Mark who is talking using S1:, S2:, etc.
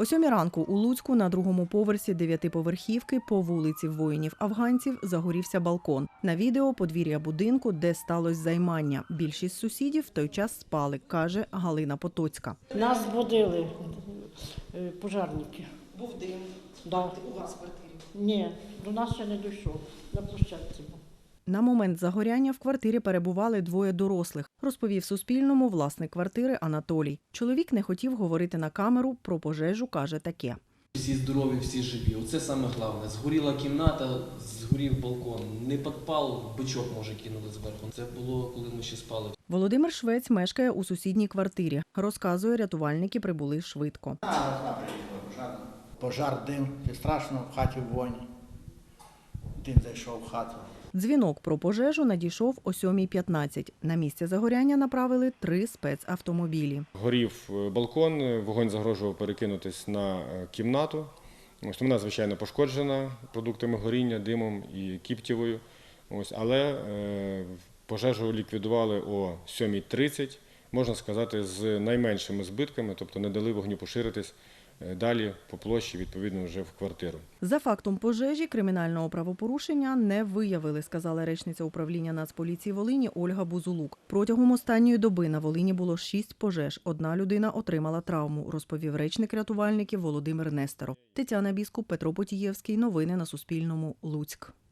S1: О 7 ранку у Луцьку на другому поверсі 9-поверхівки по вулиці воїнів-афганців загорівся балкон. На відео подвір'я будинку, де сталося займання. Більшість сусідів в той час спали, каже Галина Потоцька.
S2: Нас будили пожежники.
S3: Був дим.
S2: Да.
S3: У вас в квартирі?
S2: Ні, до нас ще не дійшов, на площадці був.
S1: На момент загоряння в квартирі перебували двоє дорослих, розповів Суспільному власник квартири Анатолій. Чоловік не хотів говорити на камеру, про пожежу каже таке.
S4: Всі здорові, всі живі. Оце саме головне. Згоріла кімната, згорів балкон. Не підпал, бичок, може, кинули зверху. Це було, коли ми ще спали.
S1: Володимир Швець мешкає у сусідній квартирі. Розказує, рятувальники прибули швидко.
S5: Пожар, дим, і страшно, в хаті вогонь. Дим зайшов в хату.
S1: Дзвінок про пожежу надійшов о 7:15. На місце загоряння направили 3 спецавтомобілі.
S6: Горів балкон, вогонь загрожував перекинутись на кімнату. Вона, звичайно, пошкоджена продуктами горіння, димом і кіптєвою. Але пожежу ліквідували о 7:30, можна сказати, з найменшими збитками, тобто не дали вогню поширитись далі по площі, відповідно, вже в квартиру.
S1: За фактом пожежі кримінального правопорушення не виявили, сказала речниця управління Нацполіції Волині Ольга Бузулук. Протягом останньої доби на Волині було 6 пожеж. 1 людина отримала травму, розповів речник рятувальників Володимир Нестеров. Тетяна Біскуп, Петро Потієвський. Новини на Суспільному. Луцьк.